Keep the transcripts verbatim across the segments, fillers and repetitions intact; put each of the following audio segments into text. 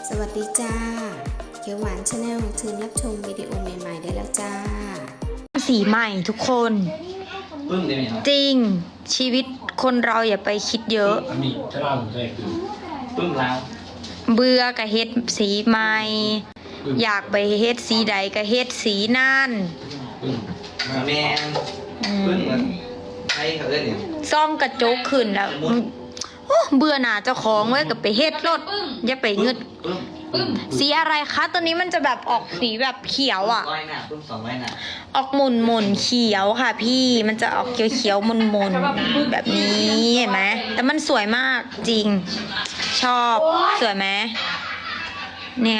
สวัสดีจ้าเขียวหวานชาแนลเชิญรับชมวิดีโอใหม่ๆได้แล้วจ้าสีใหม่ทุกคนปึ้งได้ไหมครับจริงชีวิตคนเราอย่าไปคิดเยอะอันนี้ถ้าเราใช่คือปึ้งแล้วเบื่อกับเฮ็ดสีใหม่ อยากไปเฮ็ดสีใดก็เฮ็ดสีนั่นปึ้งแมนปึ้งเหมือนใครเขาเล่นเนี่ยซ่องกระจกขึ้นแล้วโอ้เบื่อหน่าเจ้าของไว้กับไปเฮ็ดรถอย่าไปเงึดปึ้งปึ้งสีอะไรคะตัวนี้มันจะแบบออกสีแบบเขียวอ่ะร้อยหน้าปึ้งสองร้อยหน้าออกหมุนหมุนเขียวค่ะพี่มันจะออกเขียวเขียวมุนมุนแบบนี้เห็นไหมแต่มันสวยมากจริง ชอบสวยไหมเนี่ย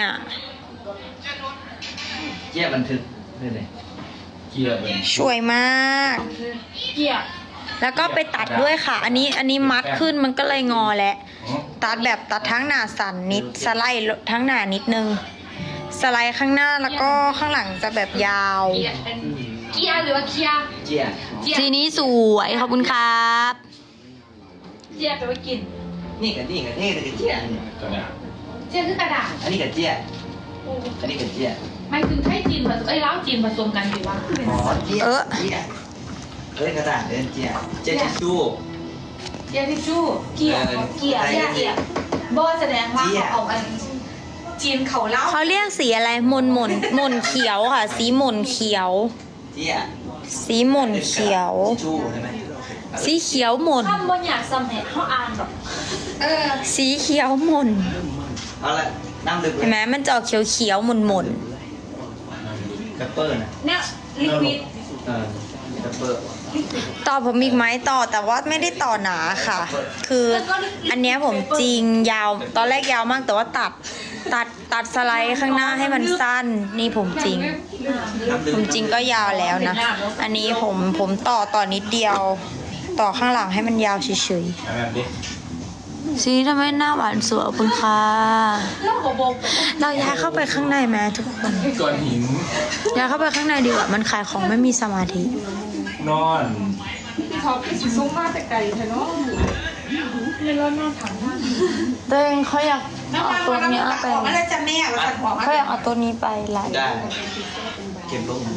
เจี๊ยบบันทึกได้เลยเจี๊ยบบันทึกสวยมากแล้วก็ไปตัดด้วยค่ะ อันนี้อันนี้มัดขึ้นมันก็เลยงอแหละตัดแบบตัดทั้งหน้าสันนิดสไลด์ทั้งหน้านิดนึงสไลด์ข้างหน้าแล้วก็ข้างหลังจะแบบยาวเกียร์หรือว่าเคียร์เจี๊ยบทีนี้สวยขอบคุณครับเกียร์แปลว่ากินนี่กับนี่กับนี่กับเจี๊ยบนี่กระดาษเกียร์คือกระดาษอันนี้กับเจี๊ยบอันนี้กับเจี๊ยบหมายถึงไทยจีนผสมเอ้ยเล้าจีนผสมกันสิวะอ๋อเจี๊ยบเจี๊ยบเอ้ยกระดาษเดินเจี๊ยบเจี๊ยบทิชชู่เกียร์ทิชชู่เกียร์เกียร์เกียร์เกียร์บอแสดงว่าเขาเอาอันจีนเขาเล้าเขาเรียกสีอะไรมนมนมนเขียวค่ะ สีมนเขียวเจี๊ยบสีมนเขียวทิชชู่ใช่ไหมสีเขียวมนคำบนอยากสำเร็จเขาอ่านแบบเออสีเขียวมนเอาละน้ำลึกเลเห็นไหมมันจะออกเขียวเขียวมนมนกระเปอร์นะเนี่ยลิควิดเออดับเบิลต่อผมอีกไหมต่อแต่ว่าไม่ได้ต่อหนาค่ะ คืออันเนี้ยผมจริงยาวตอนแรกยาวมากแต่ว่าตัดตัดตัดสไลด์ข้างหน้าให้มันสั้นนี่ผมจริง ผมจริงก็ยาวแล้วนะ อันนี้ผมผมต่อต่อนิดเดียว ต่อข้างหลังให้มันยาวเฉยแบบนี้ๆสีทำไมหน้าหวานสวยขอบคุณค่ะเล่าบบกเราย้ายเข้าไปข้างในไหมทุกคนก้อนหินย้ายเข้าไปข้างในดีกว่ามันขายของไม่มีสมาธินอนเขาซุ้มมาแต่ไก่เธอเนาะไม่ร้อนนอนถังท่านตัวเองเขาอยากเอาตัวนี้ไปอะไรจะแม่เราตัดหัวเขาอยากเอาตัวนี้ไปไลฟ์ได้เก็บลง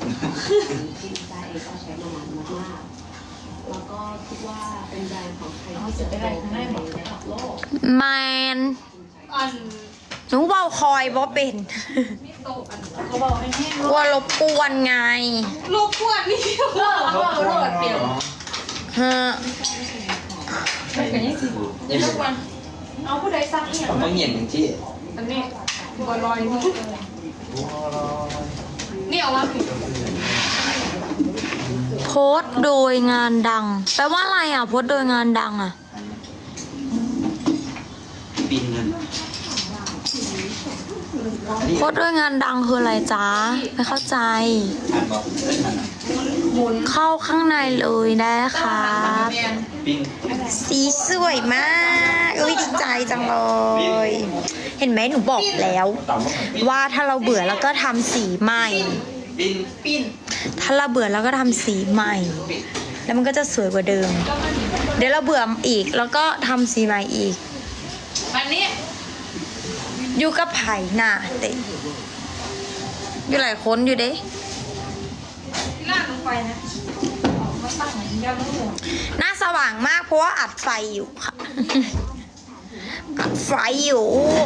แล้วก็คิดว่าเป็นแบรนด์ของไทยที่จะจะไปโตได้ข้างในในหมดระดับโลกแมนอันหนูเบาคอยบ่เป็นโตอันเขาบอกให้แห้งกลัวรบกวนไงลูกขวดนี่เลิกเขาบอกเลิกเปลี่ยนฮะไม่เป็นยังสิทุกวันเอาผู้ใดซักเนี่ยผมต้องเห็นอย่างที่อันนี้บัวลอยนี่นี่เอาวะโพสต์โดยงานดัง แปลว่าอะไรอ่ะโพสต์โดยงานดังอ่ะปีนเงินโพสต์โดยงานดังคืออะไรจ๊ะไม่เข้าใจอ่านบอกเข้าข้างในเลยได้ครับปีนสีสวยมากอุ้ยดีใจจังเลย เห็นไหมหนูบอกแล้ว ว่าถ้าเราเบื่อแล้วก็ทำสีใหม่ปีนปีนถ้าเราเบื่อแล้วก็ทำสีใหม่ แล้วมันก็จะสวยกว่าเดิม เดี๋ยวเราเบื่ออีกแล้วก็ทำสีใหม่อีกวันนี้อยู่กับไผ่น่ะเตะอยู่หลายคนอยู่เด้ลาดลงไปนะมาตั้งยาลูกหน้าสว่างมากเพราะว่าอัดไฟอยู่ค่ะ อัดไฟอยู่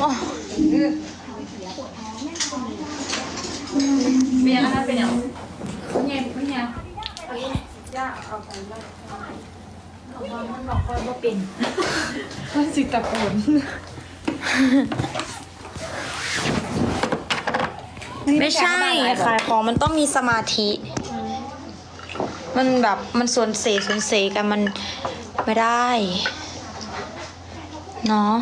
เบียร์นะคะเป็นอย่างเงี้ยไม่เงี้ยย่าเอาไปเลยเอามามันบอกว่าบ่เป็นมันสิตะโกนไม่ใช่ขายของมันต้องมีสมาธิ มันแบบมันสวนเสสวนเสกันมันไม่ได้เนาะ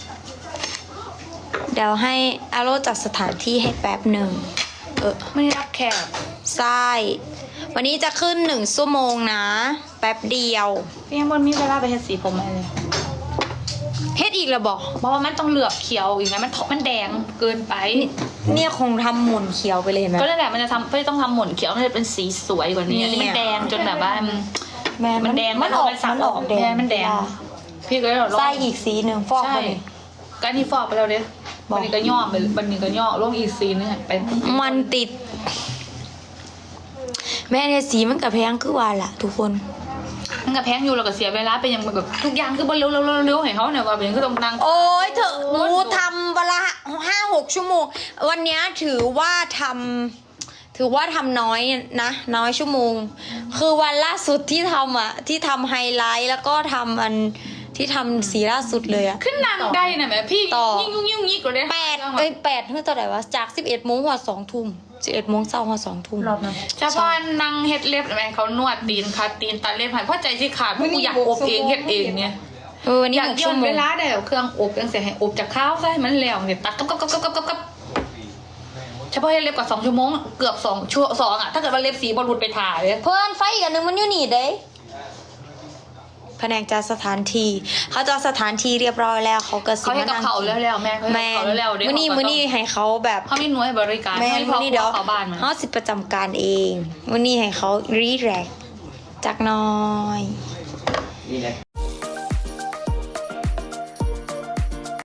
เดี๋ยวให้อาโรจัดสถานที่ให้แป๊บหนึ่งเออไม่รับแขกใช่วันนี้จะขึ้นหนึ่งชั่วโมงนะ แป๊บเดียวพี่ยังบนมีเวลาไปเฮ็ดสีผมอะไรเลยเฮ็ดอีกแล้วบอกเพราะว่ามันต้องเหลือบเขียวอีกนะมันมันแดงเกินไปเนี่ยคงทำหมุนเขียวไปเลยเห็นไหมก็นั่นแหละมันจะทำก็ต้องทำหมุนเขียวให้เป็นสีสวยกว่านี้เนี่ยอันนี่มันแดงจนแบบว่ามันแม่มันแดงมันออกสัมันออกแดงมันแดง พี่ก็เลยบอกใส่อีกสีหนึ่งฟอกใช่ไปเลยก็อันนี่ฟอกไปแล้วเด้อวันนี้ก็ย่อไปวันนี้ก็ย่อลงอีซีนเนี่ยไปมันติด แม่เนี่ยสีมันกับแพงคือว่าล่ะ ทุกคนมันกับแพงอยู่เราก็เสียเวลาไปยังแบบทุกอย่างคือบ่เร็วเร็วเร็วให้เขาเนี่ยว่าเป็นคือต้องนั่งโอ้ยเธอหนูทำเวลาห้าหกชั่วโมง วันเนี้ยถือว่าทำถือว่าทำน้อยนะ น้อยชั่วโมง คือวันล่าสุดที่ทำอ่ะ ที่ทำไฮไลท์แล้วก็ทำอันที่ทำสีล่าสุดเลยอ่ะขึ้นนางได้นะแม่พี่ต่อยิ่งยุ่งยิ่งยิ่งกว่าได้แปดเอ้ยแปดเท่าไหร่วะจากสิบเอ็ดโมงหัวสองทุ่มสิบเอ็ดโมงเช้าหัวสองทุ่มรอบนั้นชาวบ้านนั่งเฮ็ดเล็บแม่เขานวดตีนคัดตีนตัดเล็บให้เพราะใจสิขาดเพราะกูอยากอบเองเฮ็ดเองเนี่ยเออวันนี้อยากหกย้อชั่วน โมเวงลาได้เอาเครื่องอบยังเสียให้อบจากข้าวซะให้มันแล้วเนี่ยตัดกับกับกับกับกับกับเฉพาะเฮ็ดเล็บกว่าสองชั่วโมงเกือบสองชั่วสองอ่ะถ้าเกิดว่าเล็บสีบอลลุดไปถ่ายเลยเพื่อนไฟอีกอันหนึงมันอยู่นี่เด้แผนกจัดสถานที่เขาจัดสถานที่เรียบร้อยแล้วเขาก็สิเขาให้กับเขาแล้วแล้วแม่เขาให้แม่กับเขาแล้วแล้วเดี๋ยวมื้อนี้มื้อนี้ให้เขาแบบเขามีหน่วยบริการแม่ให้พ่มื้ออนี้เดี๋ยวเขาบ้านมาเขาสิประจำการเองมื้อนี้ให้เขารีแลกซ์จักหน้อยนี่แหละ